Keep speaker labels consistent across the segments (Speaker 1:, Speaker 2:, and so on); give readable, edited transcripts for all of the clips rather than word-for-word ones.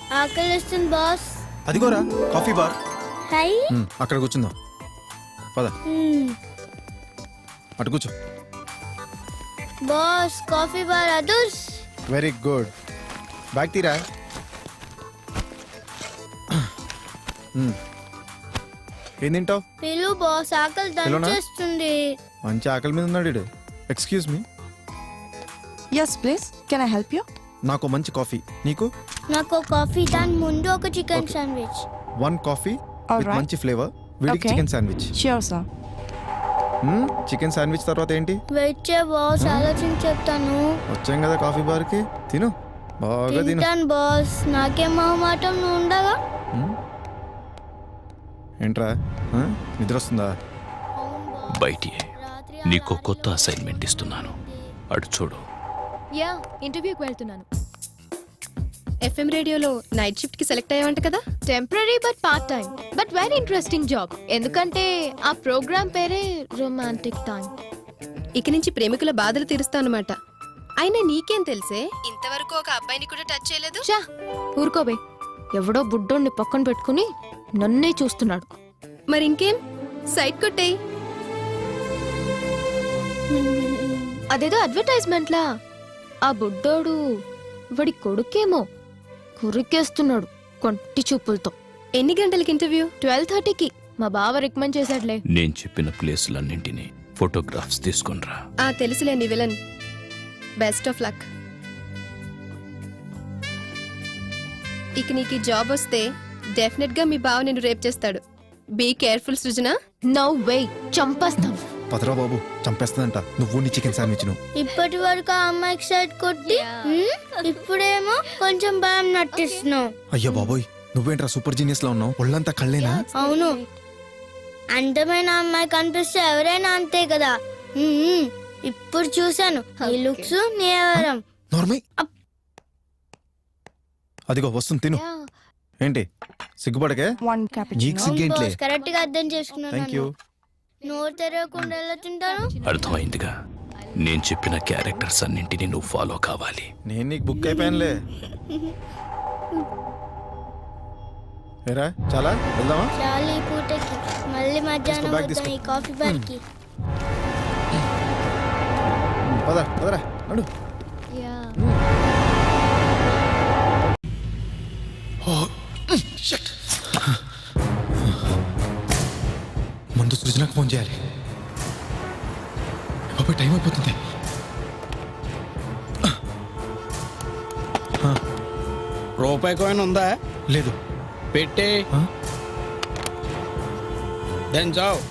Speaker 1: ఆకలిస్తుంది బాస్.
Speaker 2: అదిగోరా coffee bar.
Speaker 1: Hi.
Speaker 2: అక్కడ కూర్చుందాం పద. అటు కూర్చో.
Speaker 1: బాస్ కాఫీ బార్ అదుర్స్.
Speaker 2: Very good. బ్యాగ్ తీరా. ఏం తింటావు?
Speaker 1: పిలు బాస్, ఆకలి దంచేస్తుంది.
Speaker 2: మంచి ఆకలి మీద ఉన్నాడు. Excuse me.
Speaker 3: Yes please, can I help you?
Speaker 2: నాకు మంచి కాఫీ. నీకు?
Speaker 1: నాకు కాఫీ, దాని ముందు ఒక chicken sandwich.
Speaker 2: 1 coffee with
Speaker 3: Alright.
Speaker 2: మంచి ఫ్లేవర్. వీడికి
Speaker 3: Okay.
Speaker 2: Chicken sandwich.
Speaker 3: Sure sir.
Speaker 2: Chicken sandwich తర్వాత ఏంటి?
Speaker 1: వెయిట్ చే బాస్, ఆలోచించి చెప్తాను.
Speaker 2: వచ్చాం కదా కాఫీ బార్కి. తిను, బాగా తిను.
Speaker 1: తింటాను బాస్, నాకేం మొహమాటం, నువ్వు ఉండగా.
Speaker 2: ఏంట్రా నిద్ర వస్తుందా?
Speaker 4: బయటి నీకు కొత్త అసైన్మెంట్ ఇస్తున్నాను, అటు చూడు.
Speaker 5: యా, ఇంటర్వ్యూకి వెళ్తున్నాను.
Speaker 6: ఎఫ్ఎం రేడియోలో నైట్ షిఫ్ట్ కి సెలెక్ట్ అయ్యావంట కదా?
Speaker 5: Temporary but part time, but very interesting job. ఎందుకంటే ఆ ప్రోగ్రామ్ పేరే రొమాంటిక్ టైం.
Speaker 6: ఇక నుంచి ప్రేమికుల బాధలు తీరుస్తా అనమాట. అయినా నీకేం తెలుసే, ఇంతవరకు ఒక అబ్బాయిని కూడా టచ్ చేయలేదు.
Speaker 5: చా ఊరుకోబే, ఎవడో బుడ్డోడిని పక్కన పెట్టుకుని నన్నే చూస్తున్నాడు.
Speaker 6: మరి ఇంకేం, సైట్ కొట్టేయ్.
Speaker 5: అదేదో అడ్వర్టైజ్మెంట్లా. ఆ బుడ్డోడు వాడి కొడుకేమో కురికేస్తున్నాడు కొంటి చూపులతో.
Speaker 6: ఎన్ని గంటలకి ఇంటర్వ్యూ?
Speaker 5: 12:30కి. మా బావ రికమెండ్ చేశాడులే.
Speaker 4: నేను చెప్పిన ప్లేసులన్నింటినీ ఫోటోగ్రాఫ్స్ తీసుకునిరా.
Speaker 6: తెలుసులే నీ విలన్. Best of luck. ఇక నీకు ఈ జాబ్ వస్తే డెఫినెట్ గా మీ బావ నిన్ను రేప్ చేస్తాడు. Be careful Srujana.
Speaker 5: No way, చంపేస్తాం.
Speaker 2: పదరా బాబు, చంపేస్తుందంట నువ్వు నీ చికెన్ శాండ్విచ్ ను.
Speaker 1: ఇప్పటి వరకు ఆ అమ్మాయికి సైడ్ కొట్టి ఇప్పుడేమో కొంచెం భయం నటిస్తున్నావు.
Speaker 2: అయ్యో బాబోయ్, నువ్వేంట్రా సూపర్ జీనియస్ లా ఉన్నావు? ఒళ్ళంతా కళ్ళేనా?
Speaker 1: అవును, అందమైన అమ్మాయి కనిపిస్తే ఎవరైనా అంతే కదా. ఇప్పుడు చూసాను నీ లుక్స్, నీ ఎవరం.
Speaker 2: నార్మల్. అదిగో వస్తుంది, తిను. ఏంటి సిగ్గుపడకే?
Speaker 3: 1 cappuccino.
Speaker 2: సిగ్గేంట్లే.
Speaker 1: కరెక్ట్ గా అర్థం చేసుకున్నాను.
Speaker 2: Thank you.
Speaker 1: నోరు తెరవకుండా ఎలా తింటాను?
Speaker 4: అర్థమైందిగా, నేను చెప్పిన క్యారెక్టర్స్ అన్నింటినీ నువ్వు ఫాలో కావాలి.
Speaker 2: నేను నీకు బుక్ అయిపోయానులే. ఏరా చాలా వెళ్దామా?
Speaker 1: చాలు ఈ పూటకి, మళ్ళీ మధ్యాహ్నం
Speaker 2: బ్యాగ్
Speaker 1: వద్దాం
Speaker 2: తీసుకో.
Speaker 1: ఈ కాఫీ బార్ కి.
Speaker 2: పదరా నడు. ముందు సృజనకు ఫోన్ చేయాలి. బాబు టైం అయిపోతుంది.
Speaker 7: రూపాయి కాయిన్ ఉందా?
Speaker 2: లేదు.
Speaker 7: పెట్టే దెన్ జావ్.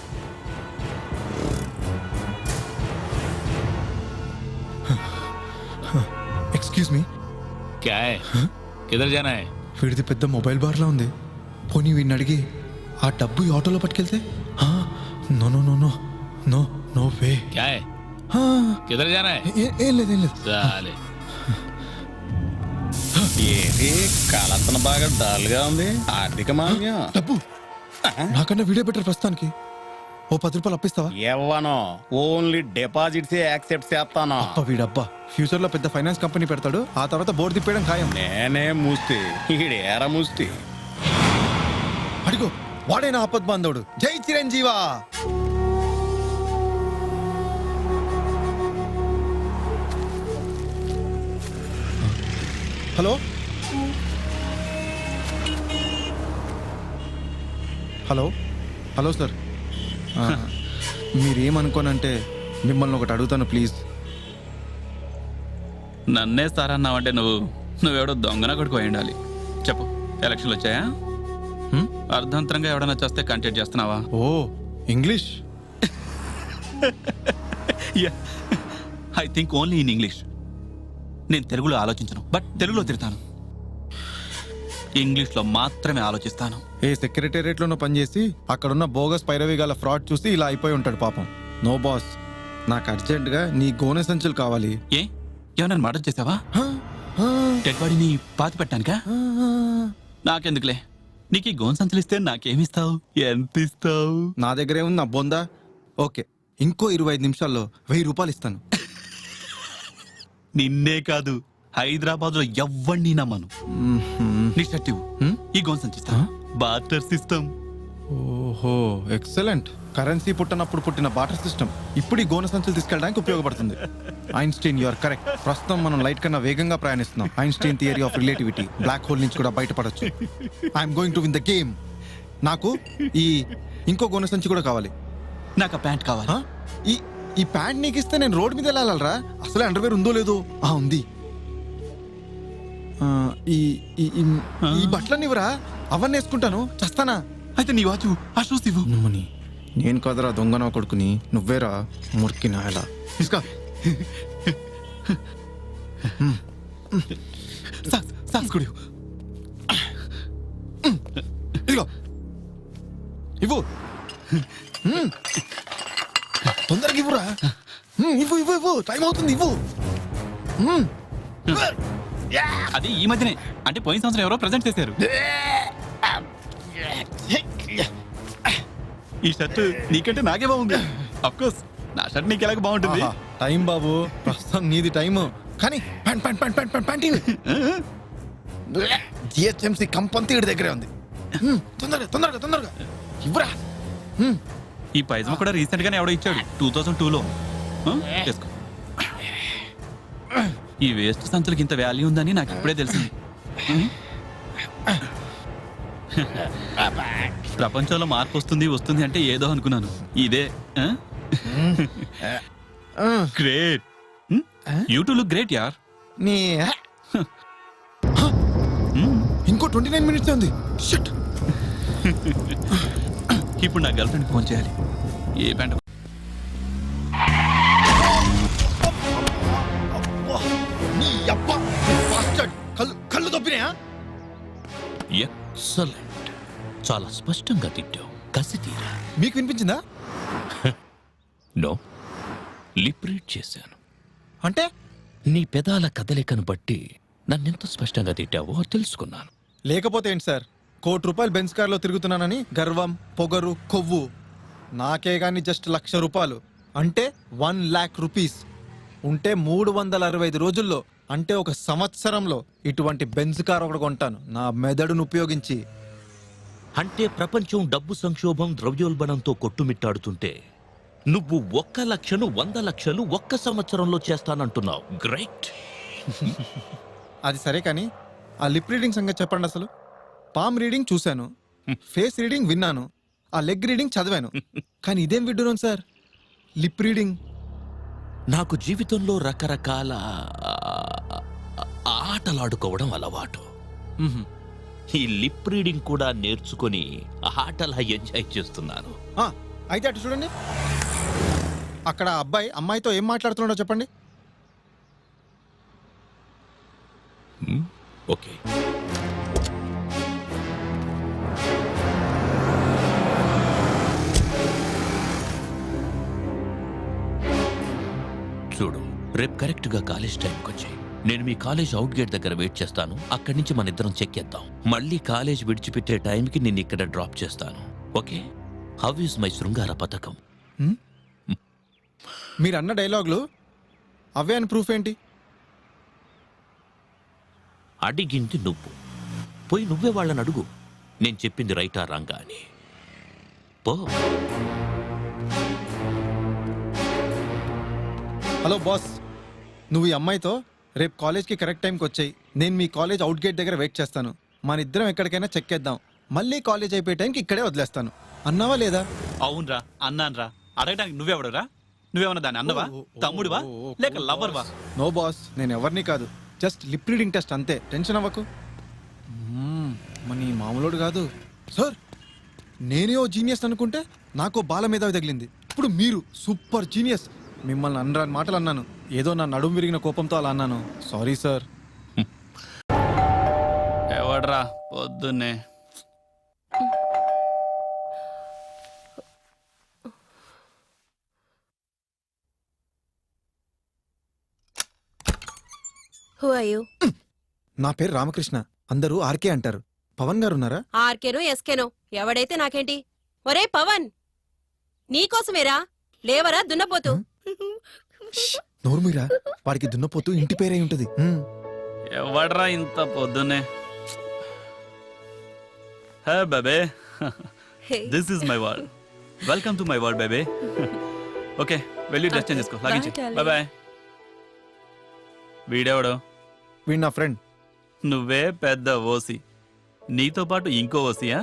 Speaker 2: Excuse me.
Speaker 4: క్యా హై? కిధర్ జానా హై?
Speaker 2: వీడిది పెద్ద మొబైల్ బార్లా ఉంది. పోనీ వీడిని అడిగి ఆ డబ్బు ఈ ఆటోలో పట్టుకెళ్తే? No no no no no no way.
Speaker 4: క్యా హై? కిధర్ జానా హై?
Speaker 2: ఏం లేదు ఏం లేదు.
Speaker 4: చాలే.
Speaker 7: ఏంటి కలతన బాగా డల్ గా ఉంది? ఆర్థిక మాన్యం.
Speaker 2: డబ్బు నాకన్నా వీడియో బెటర్ ప్రస్తుతానికి. ఓ 10 రూపాయలు అప్పిస్తావా?
Speaker 7: ఇవ్వను, ఓన్లీ డిపాజిట్స్ యాక్సెప్ట్ చేస్తాను.
Speaker 2: వీడబ్బా ఫ్యూచర్ లో పెద్ద ఫైనాన్స్ కంపెనీ పెడతాడు. ఆ తర్వాత బోర్డు తిప్పేయడం ఖాయం.
Speaker 7: నేనే ముస్తి, ఈడేర ముస్తి.
Speaker 2: అడిగో వాడేనా ఆపద్ బాంధవుడు. జై చిరంజీవా. హలో హలో హలో సార్, మీరేమనుకోనంటే మిమ్మల్ని ఒకటి అడుగుతాను ప్లీజ్.
Speaker 8: నన్నే సార్ అన్నావంటే నువ్వెవడో దొంగన కొడుకు అయి ఉండాలి. చెప్పు, ఎలక్షన్లు వచ్చాయా? అర్ధంతరంగా ఎవడన్నా చేస్తే కంటెక్ట్ చేస్తున్నావా?
Speaker 2: Oh English.
Speaker 8: I think only in English. నేను తెలుగులో ఆలోచించను, బట్ తెలుగులో తిడతాను. ఇంగ్లీష్లో మాత్రమే ఆలోచిస్తాను.
Speaker 2: ఏ సెక్రటేరియట్లోనో పనిచేసి అక్కడున్న బోగస్ పైరవిగాల ఫ్రాడ్ చూసి ఇలా అయిపోయి ఉంటాడు పాపం. నో బాస్, నాకు అర్జెంటుగా నీ గోనె సంచులు కావాలి.
Speaker 8: ఏ ఏమన్నా మర్డర్ చేసావా? డెడ్ బాడీని పాతి పెట్టానుకా? నాకెందుకులే, నీకు ఈ గోన్ సంచులు ఇస్తే నాకేమిస్తావు? ఎంత ఇస్తావు?
Speaker 2: నా దగ్గరే ఉంది నా బొందా. ఓకే, ఇంకో 25 నిమిషాల్లో 1000 రూపాయలు ఇస్తాను.
Speaker 8: నిన్నే కాదు, హైదరాబాద్ లో ఎవ్వడిని నమ్మను. నీ షర్ట్ ఇవ్వు. ఈ గోన్ సంచిస్తా. Barter system.
Speaker 2: ఓహో ఎక్సలెంట్. కరెన్సీ పుట్టనప్పుడు పుట్టిన బాటర్ సిస్టమ్ ఇప్పుడు ఈ గోనె సంచులు తీసుకెళ్ళడానికి ఉపయోగపడుతుంది. Einstein, you are correct. ప్రస్తుతం మనం లైట్ కన్నా వేగంగా ప్రయాణిస్తున్నాం. Einstein theory of relativity, black hole నుంచి కూడా బయటపడొచ్చు. I'm going to win the game. నాకు ఈ ఇంకో గోనె సంచి కూడా కావాలి.
Speaker 8: నాకు ఆ ప్యాంట్ కావాలి.
Speaker 2: ఆ? ఈ ఈ ప్యాంట్ నీకు ఇస్తే నేను రోడ్ మీద వెళ్ళాలరా? అసలే అండర్వేర్ ఉందో లేదో. ఉంది. ఈ ఈ- ఈ- ఈ బట్టలన్నీ ఇవ్వరా, అవన్నీ వేసుకుంటాను. చస్తానా?
Speaker 8: అయితే నీ వాచు ఆ షూస్ ఇవ్వు.
Speaker 2: నువ్వుని నేను కదరా దొంగనా కొడుకుని, నువ్వేరా మురికి నాయలా. తీసుకో.
Speaker 8: సాస్ కూడా ఇవ్వు.
Speaker 2: ఇదిగో ఇవ్వు. తొందరగా ఇవ్వురా. ఇవ్వు ఇవ్వు ఇవ్వు, టైం అవుతుంది. ఇవ్వు.
Speaker 8: అది ఈ మధ్యనే, అంటే పోయిన సంవత్సరం ఎవరో ప్రజెంట్ చేశారు. ఈ షర్ట్ నీకంటే నాకే బాగుంది. అఫ్ కోర్స్ నా షర్ట్ నీకు ఎలాగ బాగుంటుంది.
Speaker 2: ఆహా, టైం బాబు, ప్రస్తుతం నీది టైం. కానీ pant pant pant pant pant GHMC కంపంతి ఇడి దగ్గరే ఉంది. తొందరగా తొందరగా తొందరగా ఇవ్వరా.
Speaker 8: ఈ పైజమా కూడా రీసెంట్ గానే ఎవడో ఇచ్చాడు 2002లో. చేసుకో. ఈ వేస్ట్ సంచులకి ఇంత వాల్యూ ఉందని నాకు ఇప్పుడే తెలిసింది. ప్రపంచంలో మార్పు వస్తుంది వస్తుంది అంటే ఏదో అనుకున్నాను. ఇదే great. You too look great యార్.
Speaker 2: నీ ఇంకో 29 minutes ఉంది. షిట్.
Speaker 8: ఇప్పుడు నా గర్ల్ ఫ్రెండ్ ఫోన్ చేయాలి. ఏ ప్యాంట్
Speaker 2: నీ అబ్బా bastard. కళ్ళు దొబ్బినాయా?
Speaker 4: ఎక్సలెంట్. చాలా స్పష్టంగా తిట్టావు. కసి తీరా.
Speaker 2: మీకు వినిపించిందా?
Speaker 4: నో, లిప్ రీడ్ చేశాను.
Speaker 2: అంటే
Speaker 4: నీ పెదాల కదలికను బట్టి నన్నెంత స్పష్టంగా తిట్టావో తెలుసుకున్నాను.
Speaker 2: లేకపోతే ఏంటి సార్, ₹1,00,000 బెంజ్ కార్లో తిరుగుతున్నానని గర్వం, పొగరు, కొవ్వు. నాకే గాని జస్ట్ ₹1,00,000 అంటే 1,00,000 రూపీస్ ఉంటే 365 రోజుల్లో, అంటే ఒక సంవత్సరంలో ఇటువంటి బెంజ్ కార్ ఒకటి కొంటాను నా మెదడును ఉపయోగించి.
Speaker 4: అంటే ప్రపంచం డబ్బు సంక్షోభం ద్రవ్యోల్బణంతో కొట్టుమిట్టాడుతుంటే నువ్వు 1,00,000ను 100,00,000 ఒక్క సంవత్సరంలో చేస్తానంటున్నావు. గ్రేట్.
Speaker 2: అది సరే కానీ ఆ లిప్ రీడింగ్ సంగతి చెప్పండి. అసలు పామ్ రీడింగ్ చూశాను, ఫేస్ రీడింగ్ విన్నాను, ఆ లెగ్ రీడింగ్ చదివాను, కానీ ఇదేం విడ్డూరం సార్, లిప్ రీడింగ్.
Speaker 4: నాకు జీవితంలో రకరకాల ఆటలాడుకోవడం అలవాటు. ఈ లిప్ రీడింగ్ కూడా నేర్చుకొని ఆటలా ఎంజాయ్ చేస్తున్నాను.
Speaker 2: అయితే అటు చూడండి, అక్కడ అబ్బాయి అమ్మాయితో ఏం మాట్లాడుతున్నాడో చెప్పండి.
Speaker 4: ఓకే. చూడు, రేపు కరెక్ట్గా కాలేజ్ టైంకి వచ్చాయి. నేను మీ కాలేజ్ అవుట్ గేట్ దగ్గర వెయిట్ చేస్తాను. అక్కడి నుంచి మన ఇద్దరం చెక్కేద్దాం. మళ్ళీ కాలేజ్ విడిచిపెట్టే టైంకి నేను ఇక్కడ డ్రాప్ చేస్తాను. ఓకే? హౌ ఈజ్ మై శృంగార పథకం?
Speaker 2: మీరు అన్న డైలాగులు అవే అని ప్రూఫ్ ఏంటి?
Speaker 4: అడిగింది నువ్వు, పోయి నువ్వే వాళ్ళని అడుగు నేను చెప్పింది రైటా రాంగా అని. పో.
Speaker 2: హలో బాస్, నువ్వు ఈ అమ్మాయితో రేపు కాలేజ్కి కరెక్ట్ టైంకి వచ్చాయి, నేను మీ కాలేజ్ అవుట్ గేట్ దగ్గర వెయిట్ చేస్తాను, మన ఇద్దరం ఎక్కడికైనా చెక్కేద్దాం, మళ్ళీ కాలేజ్ అయిపోయే టైంకి ఇక్కడే వదిలేస్తాను అన్నావా లేదా?
Speaker 8: అవునరా, అన్నానరా. అడగడానికి నువ్వెవడరా? నువ్వేమన్నా దాన్ని అన్నవా, తమ్ముడివా, లేక లవర్వా?
Speaker 2: నో బాస్, నేను ఎవరిని కాదు, జస్ట్ లిప్ రీడింగ్ టెస్ట్ అంతే, టెన్షన్ అవ్వకు. మనీ మామూలుడు కాదు సార్. నేనే ఓ జీనియస్ అనుకుంటే నాకు బాల మీద తగిలింది. ఇప్పుడు మీరు సూపర్ జీనియస్. మిమ్మల్ని అనరాని మాటలు అన్నాను, ఏదో నా నడుము విరిగిన కోపంతో అలా అన్నాను, సారీ సార్.
Speaker 8: ఎవడ్రా పొద్దున్నే?
Speaker 9: Who are you?
Speaker 2: నా పేరు రామకృష్ణ, అందరూ ఆర్కే అంటారు. పవన్ గారు ఉన్నారా?
Speaker 9: ఆర్కేనో ఎస్కేనో ఎవడైతే నాకేంటి. ఒరే పవన్, నీకోసమేరా, లేవరా దున్నపోతు.
Speaker 2: నోర్మీరా, వాడికి దున్నపోతూ ఇంటి పేరే ఉంటది.
Speaker 8: ఎవడ్రా ఇంత పొద్దున్నే? Hey babe, this is my world. Welcome to my world babe. Okay, వెళ్ళి డ్రెస్ చేంజ్ చేసుకో. లాగించి బాయ్ బాయ్. వీడెవడో?
Speaker 2: వీడు నా ఫ్రెండ్.
Speaker 8: నువ్వే పెద్ద ఓసి, నీతో పాటు ఇంకో ఓసియా?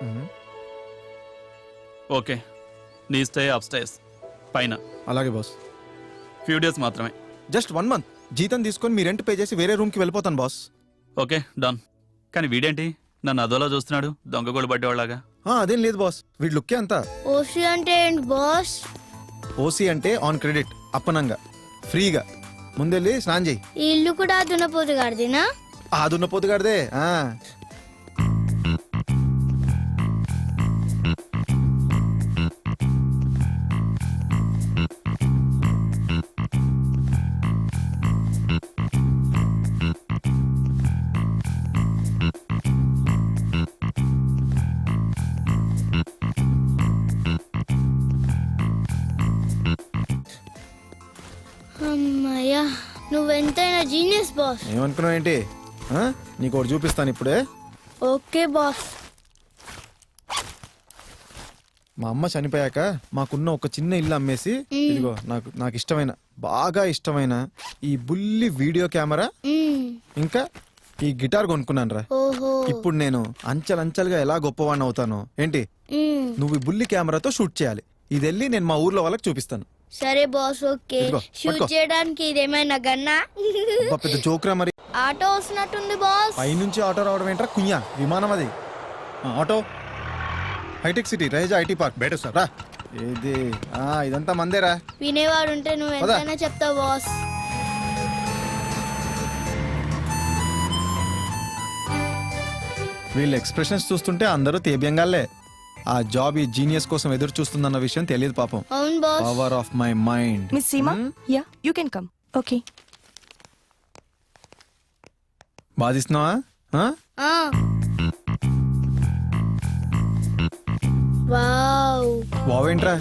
Speaker 8: ఓకే, నీ స్టే అప్ స్టేస్ పైన.
Speaker 2: అలాగే బాస్.
Speaker 8: ఫ్యూ డేస్ మాత్రమే.
Speaker 2: జస్ట్ 1 month జీతం తీసుకొని మీ రెంట్ పే చేసి వేరే రూమ్కి వెళ్ళిపోతాను బాస్.
Speaker 8: Okay done. కానీ వీడేంటి నన్ను అదోలా చూస్తున్నాడు, దొంగగోడు పడ్డేవాళ్ళగా?
Speaker 2: అదేం లేదు బాస్, వీడి లుక్కే అంతా.
Speaker 1: ఓసి అంటే ఏంటి బాస్?
Speaker 2: ఓసీ అంటే ఆన్ క్రెడిట్, అప్పనంగా ఫ్రీగా. ముందెళ్ళి స్నానం చేయి.
Speaker 1: ఈ ఇల్లు కూడా దున్నపోతు గారిదినా?
Speaker 2: ఆ దున్నపోతు గారిదే.
Speaker 1: అమ్మయ్యా, నువ్వెంతైనా జీనియస్ బాస్.
Speaker 2: ఏమనుకున్నావు ఏంటి? నీకు ఒకటి చూపిస్తాను ఇప్పుడే.
Speaker 1: Okay boss.
Speaker 2: మా అమ్మ చనిపోయాక మాకున్న ఒక చిన్న ఇల్లు అమ్మేసి ఇదిగో నాకు ఇష్టమైన, బాగా ఇష్టమైన ఈ బుల్లి వీడియో కెమెరా ఇంకా ఈ గిటార్ కొనుక్కున్నాను రా.
Speaker 1: ఓహో.
Speaker 2: ఇప్పుడు నేను అంచెలంచెలుగా ఎలా గొప్పవాడిని అవుతాను ఏంటి? నువ్వు ఈ బుల్లి కెమెరాతో షూట్ చేయాలి. ఇది వెళ్ళి నేను మా ఊర్లో వాళ్ళకి చూపిస్తాను.
Speaker 1: సరే బాస్. ఓకే.
Speaker 2: ఇదిగో,
Speaker 1: షూట్
Speaker 2: పట్టుకో.
Speaker 1: చేయడానికి ఇదేమైనా గన్నా?
Speaker 2: అబ్బా, పెద్ద జోక్రా మరి.
Speaker 1: ఆటో వస్తున్నట్టుంది బాస్.
Speaker 2: పైనుంచి ఆటో రావడం ఏంట్రా కుయ్యా? విమానం అది. ఆటో హైటెక్ సిటీ రైజా ఐటీ పార్క్ బయట సార్ రా. ఏది ఇదంతా మందేరా.
Speaker 1: వినేవాడు ఉంటే నువ్వు ఎంతైనా చెప్తావు బాస్.
Speaker 2: వీళ్ళ ఎక్స్ప్రెషన్స్ చూస్తుంటే అందరూ తేబ్యంగాలే. ఆ జాబ్ ఈ జీనియస్ కోసం ఎదురు చూస్తుందన్న విషయం తెలియదు పాపం.
Speaker 1: అవును boss.
Speaker 2: Power of my mind.
Speaker 3: Miss Seema? Yeah, you can come. Okay.
Speaker 2: బాధిస్తున్నావా?
Speaker 1: వావ్.
Speaker 2: వావేంట్రా?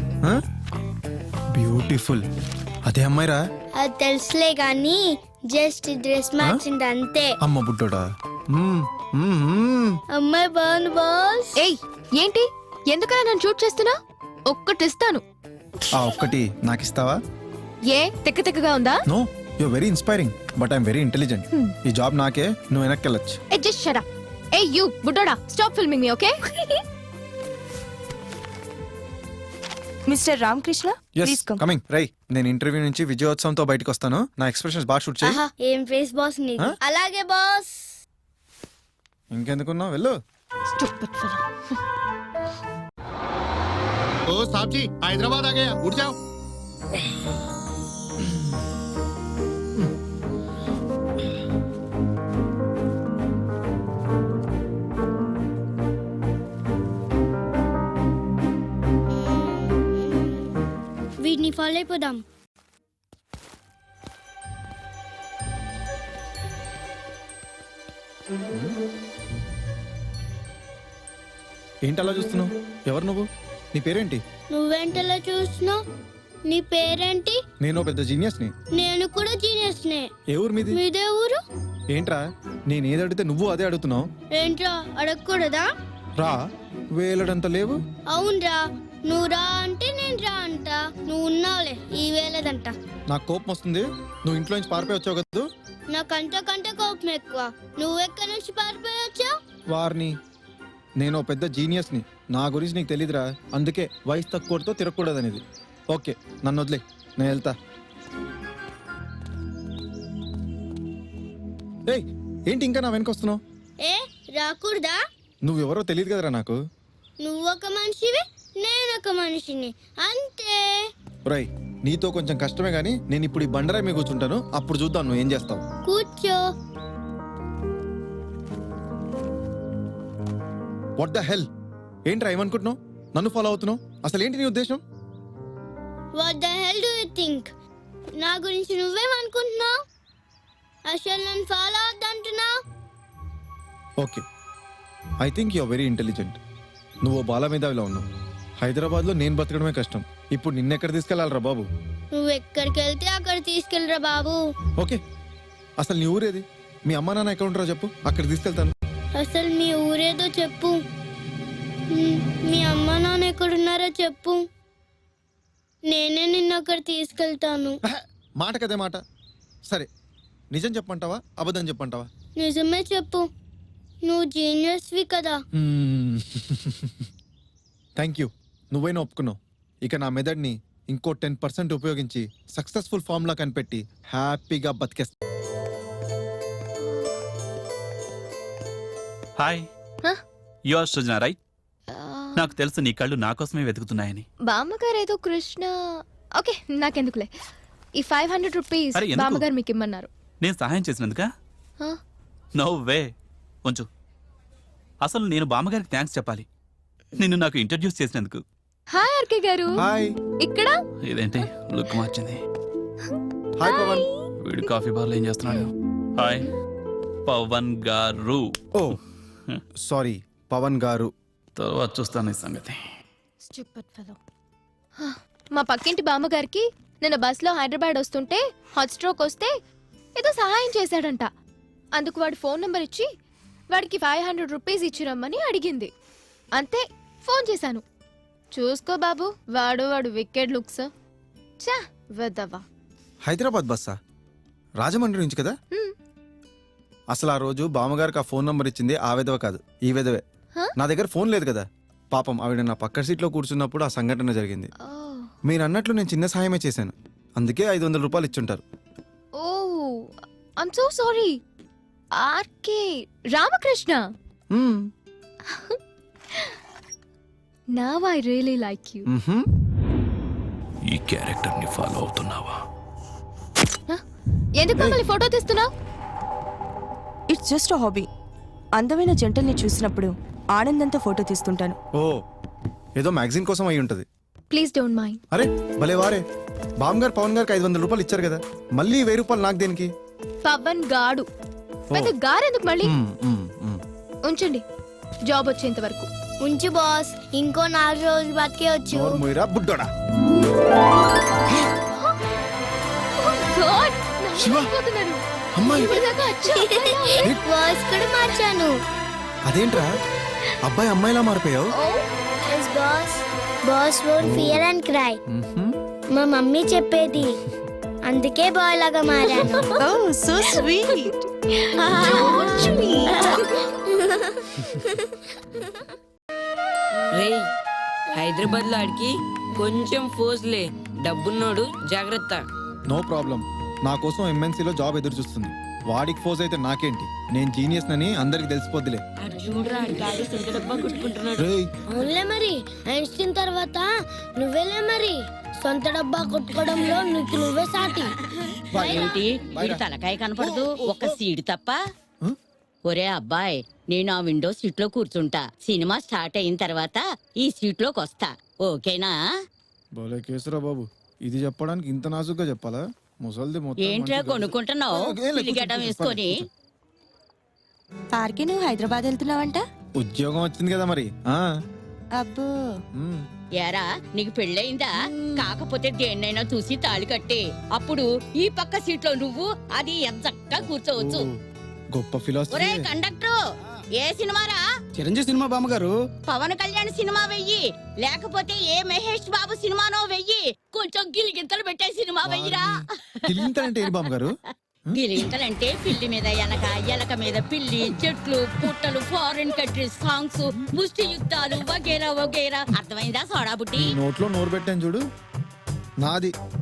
Speaker 2: బ్యూటిఫుల్. అదే అమ్మాయిరా?
Speaker 1: అది తెలుసులే గాని జస్ట్ డ్రెస్ మార్చింది అంతే.
Speaker 2: అమ్మ బుడ్డోడా.
Speaker 1: అమ్మాయి బాగుంది బాస్.
Speaker 5: ఏయ్ ఏంటి, ఎందుకలా నన్ను షూట్ చేస్తున్నా? ఒక్కటిస్తాను.
Speaker 2: ఆ ఒక్కటి నాకు ఇస్తావా?
Speaker 5: ఏ తెక్కగా ఉందా?
Speaker 2: No, you very inspiring but I'm very intelligent. ఈ జాబ్ నాకే, నువ్వు వెనక్కి వెళ్ళొచ్చు.
Speaker 5: ఏ just shut up. Hey you బుడ్డోడా, stop filming me. Okay?
Speaker 3: Mr. Ramkrishna, please come.
Speaker 2: Coming. రై, నేను ఇంటర్వ్యూ నుంచి విజయోత్సవంతో బయటకు వస్తాను. నా ఎక్స్ప్రెషన్స్ బాగా షూట్ చేయి.
Speaker 1: ఆహా, ఏం ఫేస్ బాస్ నీది. అలాగే బాస్.
Speaker 2: ఇంకెందుకున్నావు, వెళ్ళు.
Speaker 5: Stupid fellow.
Speaker 7: ओ साहब जी, हैदराबाद आ गया, उठ जाओ.
Speaker 1: వీడిని ఫాలో అయిపోదాం.
Speaker 2: ఏంటి అలా చూస్తున్నావు? ఎవరు నువ్వు? నీ పేరేంటి?
Speaker 1: నువ్వెంటలా చూస్తున్నావు? నీ పేరేంటి?
Speaker 2: నేను పెద్ద జీనియస్ ని.
Speaker 1: నేను కూడా జీనియస్ నే.
Speaker 2: ఏ ఊరు మీది?
Speaker 1: మీదే ఊరు?
Speaker 2: ఏంట్రా, నేను ఏది అడిగితే నువ్వు అదే అడుగుతున్నావు?
Speaker 1: ఏంట్రా అడగకూడదా?
Speaker 2: రా, వేలడంత లేవు.
Speaker 1: అవునరా, నువ్వు రా అంటే నేను రా అంట. నువ్వు ఉన్నావులే, ఈ వేలేదంట.
Speaker 2: నాకు కోపం వస్తుంది. నువ్వు ఇంట్లో నుంచి పారిపోయి వచ్చావు కదా.
Speaker 1: నాకంటే కోపం ఎక్కువ. నువ్వెక్కడి నుంచి పారిపోయి వచ్చావు?
Speaker 2: వారిని, నేను ఓ పెద్ద జీనియస్ ని. నా గురించి నీకు తెలీదురా. అందుకే వయసు తక్కువతో తిరగకూడదు అనేది. ఓకే, నన్ను వదిలే, నేను వెళ్తా. ఏయ్, ఏంటి ఇంకా నా వెనక వస్తున్నావు?
Speaker 1: ఏ రాకూడదా?
Speaker 2: నువ్వెవరో తెలియదు కదరా నాకు.
Speaker 1: నువ్వు ఒక మనిషివి, నేను ఒక మనిషిని, అంతే.
Speaker 2: రై, నీతో కొంచెం కష్టమే గానీ నేను ఇప్పుడు ఈ బండరాయి మీద కూర్చుంటాను. అప్పుడు చూద్దాం నువ్వు ఏం చేస్తావు.
Speaker 1: కూర్చో.
Speaker 2: What the hell? ఏంట్రా ఏమనుకుంటున్నావు? నన్ను ఫాలో అవుతున్నావు? అసలు ఏంటి నీ ఉద్దేశం?
Speaker 1: What the hell do you think? నా గురించి నువ్వేమనుకుంటున్నావు? అసలు నన్ను ఫాలో అవుతుంటున్నావు.
Speaker 2: Okay, I think you are very intelligent. నువ్వు బాల మీద ఇలా ఉన్నావు. హైదరాబాద్లో నేను బతకడమే కష్టం. ఇప్పుడు నిన్నెక్కడ తీసుకెళ్లాలరా బాబు?
Speaker 1: నువ్వు ఎక్కడికి వెళ్తే అక్కడ తీసుకెళ్ళరా బాబు.
Speaker 2: ఓకే, అసలు నీ ఊరేది? మీ అమ్మ నాన్న ఎక్కడ ఉంటారో చెప్పు, అక్కడ తీసుకెళ్తాను.
Speaker 1: అసలు మీ ఊరేదో చెప్పు. మీ అమ్మ నాన్న ఎక్కడున్నారో చెప్పు, నేనే నిన్ను అక్కడ తీసుకెళ్తాను.
Speaker 2: మాట కదే మాట. సరే, నిజం చెప్పంటావా అబద్ధం చెప్పంటావా?
Speaker 1: నిజమే చెప్పు, నువ్వు జీనియస్వి కదా.
Speaker 2: థ్యాంక్ యూ, నువ్వైనా ఒప్పుకున్నావు. ఇక నా మెదడ్ని ఇంకో 10% ఉపయోగించి సక్సెస్ఫుల్ ఫార్ములా కనిపెట్టి హ్యాపీగా బతికేస్తా.
Speaker 8: Hi,
Speaker 5: Huh?
Speaker 8: You are Srujana right? నాకు తెలుసు నీ కళ్ళు నా కోసమే వెతుకుతున్నాయని.
Speaker 5: బామ్మగారు ఏదో కృష్ణ. ఓకే, నాకెందుకులే. ఈ 500 రూపీస్
Speaker 8: అరే, ఎందుకు?
Speaker 5: బామ్మగారు మీకు ఇమ్మన్నారు.
Speaker 8: నేను సహాయం చేసినందుకా?
Speaker 5: Huh?
Speaker 8: No way. ఉంచు. అసలు నేను బామ్మగారికి థ్యాంక్స్ చెప్పాలి, నిన్ను నాకు ఇంట్రడ్యూస్ చేసినందుకు.
Speaker 5: Hi RK garu.
Speaker 2: హాయ్.
Speaker 5: ఇక్కడ
Speaker 8: ఇదేంటి లుక్ మార్చింది?
Speaker 2: హాయ్ పవన్.
Speaker 8: వీడు కాఫీ బార్లో ఏం చేస్తున్నాడు? హాయ్ పవన్ గారు.
Speaker 2: ఓ సారీ, పవన్ గారు.
Speaker 8: తర్వాత చూస్తాను ఈ సంగతి.
Speaker 5: Stupid fellow. మా పక్కింటి బామ్మగారికి నిన్న బస్లో హైదరాబాద్ వస్తుంటే హాట్ స్ట్రోక్ వస్తే ఏదో సహాయం చేశాడంట. అందుకు వాడి ఫోన్ నెంబర్ ఇచ్చి వాడికి 500 రూపీస్ ఇచ్చిరమ్మని అడిగింది. అంతే, ఫోన్ చేశాను. చూసుకో బాబు, వాడు వికెట్ లుక్స్. చా వెదవా.
Speaker 2: హైదరాబాద్ బస్సా? రాజమండ్రి నుంచి కదా? అసలు ఆ రోజు బామ్మగారికి ఆ ఫోన్ నంబర్ ఇచ్చింది ఆ విధవ కాదు, ఈ విధవే.
Speaker 5: Huh?
Speaker 2: నా దగ్గర ఫోన్ లేదు కదా. పాపం ఆవిడ నా పక్క సీట్లో కూర్చున్నప్పుడు ఆ సంఘటన జరిగింది. మీరు అన్నట్లు నేను చిన్న సహాయమే చేశాను, అందుకే 500 రూపాయలు ఇచ్చుంటారు.
Speaker 5: Oh I'm so sorry. RK Ramakrishna.
Speaker 2: Hmm.
Speaker 5: Now I really like you.
Speaker 2: మ్హూ.
Speaker 4: ఈ క్యారెక్టర్ ని ఫాలో అవుతున్నావా?
Speaker 5: ఎందుకు మమ్మల్ని ఫోటో తీస్తున్నావు?
Speaker 3: It's just hobby. అందమైన జంటల్ని చూసినప్పుడు ఆనందంతో ఫోటో తీస్తుంటాను.
Speaker 2: ఓ, ఏదో మ్యాగజైన్ కోసం అయి ఉంటది.
Speaker 5: Please don't mind.
Speaker 2: అరే భలే వారే, బామ్మగారు పవన్ గారికి 500 రూపాయలు ఇచ్చారు కదా, మళ్ళీ 1000 రూపాయలు నాకు దేనికి?
Speaker 5: పవన్ గాడు పెద్ద గారెందుకు మళ్ళీ?
Speaker 2: మ్మ్, మ్మ్, మ్మ్.
Speaker 5: ఉంచండి, జాబ్ వచ్చేంత వరకు.
Speaker 1: ఉంచు బాస్, ఇంకో 4 రోజులు బతికే వచ్చు.
Speaker 2: నోరు మూయరా బుడ్డోడా.
Speaker 5: God,
Speaker 2: శివ,
Speaker 5: నవ్వుతున్నాడు.
Speaker 2: అమ్మాయి.
Speaker 5: ఇప్పటిదాకా అచ్చా అబ్బాయిలా.
Speaker 1: వాయిస్ కూడా మార్చాను.
Speaker 2: అదేంట్రా అబ్బాయి అమ్మాయిలా మారిపోయావు?
Speaker 1: Yes boss, boss won't fear and cry. మా మమ్మీ చెప్పేది, అందుకే బాయ్ లాగా మారాను.
Speaker 3: Oh so sweet.
Speaker 10: రేయ్, హైదరాబాద్ లో ఆడికి కొంచెం ఫోర్స్లే, డబ్బున్నోడు జాగ్రత్త.
Speaker 2: నో ప్రాబ్లం, నా కోసం ఎంఎన్సీలో జాబ్ ఎదురు చూస్తుంది. వాడికి ఫోజ్ అయితే నాకేంటి, నేను జీనియస్ నని అందరికి తెలిసిపోద్దిలే.
Speaker 10: ఆడు చూడరా, ఆడి గాడి సొంత డబ్బా కొట్టుకుంటున్నాడు.
Speaker 2: రేయ్,
Speaker 1: అవునులే మరి, ఐన్స్టీన్ తర్వాత నువ్వేలే మరి. సొంత డబ్బా కొట్టుకోవడంలో నీకు నువ్వే సాటి.
Speaker 10: ఏంటి వీడి తలకాయ కనపడదు, ఒక సీటు తప్ప. ఒరే అబ్బాయి, నేను ఆ విండో సీట్ లో కూర్చుంటా. సినిమా స్టార్ట్ అయిన తర్వాత ఈ సీట్ లోకి వస్తా, ఓకేనా?
Speaker 2: భలే కేసురా బాబు, ఇది చెప్పడానికి ఇంత నాజుగ్గా చెప్పాలా? ముసల్ది మొత్తం
Speaker 10: ఏంట్రా
Speaker 2: మంచి
Speaker 10: కొనుక్కుంటున్నావు
Speaker 2: ఏం లేదు,
Speaker 10: పిలిగడ్డం
Speaker 2: కూర్చో,
Speaker 10: వేసుకొని?
Speaker 3: ఆర్కే నువ్వు హైదరాబాద్ వెళ్తున్నావంట?
Speaker 2: ఉద్యోగం వచ్చింది కదా మరి. ఆ
Speaker 3: అబ్బో,
Speaker 2: మ్.
Speaker 10: ఏరా, నీకు పెళ్ళయిందా? కాకపోతే దేన్నైనా చూసి తాళి కట్టే, అప్పుడు ఈ పక్క సీట్ లో నువ్వు అది ఎంచక్కా కూర్చోవచ్చు.
Speaker 2: ఓ, గొప్ప ఫిలాసఫీ.
Speaker 10: ఒరే కండక్టర్, ఏ సినిమారా?
Speaker 7: చిరంజీవి సినిమా బామ్మగారు.
Speaker 10: పవన్ కళ్యాణ్ సినిమా వెయ్యి, లేకపోతే ఏ మహేష్ బాబు సినిమానో వెయ్యి. కొంచెం గిలిగింతలు పెట్టే సినిమా వెయ్యిరా.
Speaker 2: గిలింతలంటే ఏంటి బామ్మగారు?
Speaker 10: గిలిగింతలంటే పిల్లి మీద ఎలక, ఎలక మీద పిల్లి, చెట్లు, పుట్టలు, ఫారిన్ కంట్రీస్ సాంగ్స్, ముష్టి యుద్ధాలు వగేరా వగేరా. అర్థమైందా సోడా బుట్టి?
Speaker 2: నోట్లో నోరు పెట్టాను చూడు, నాది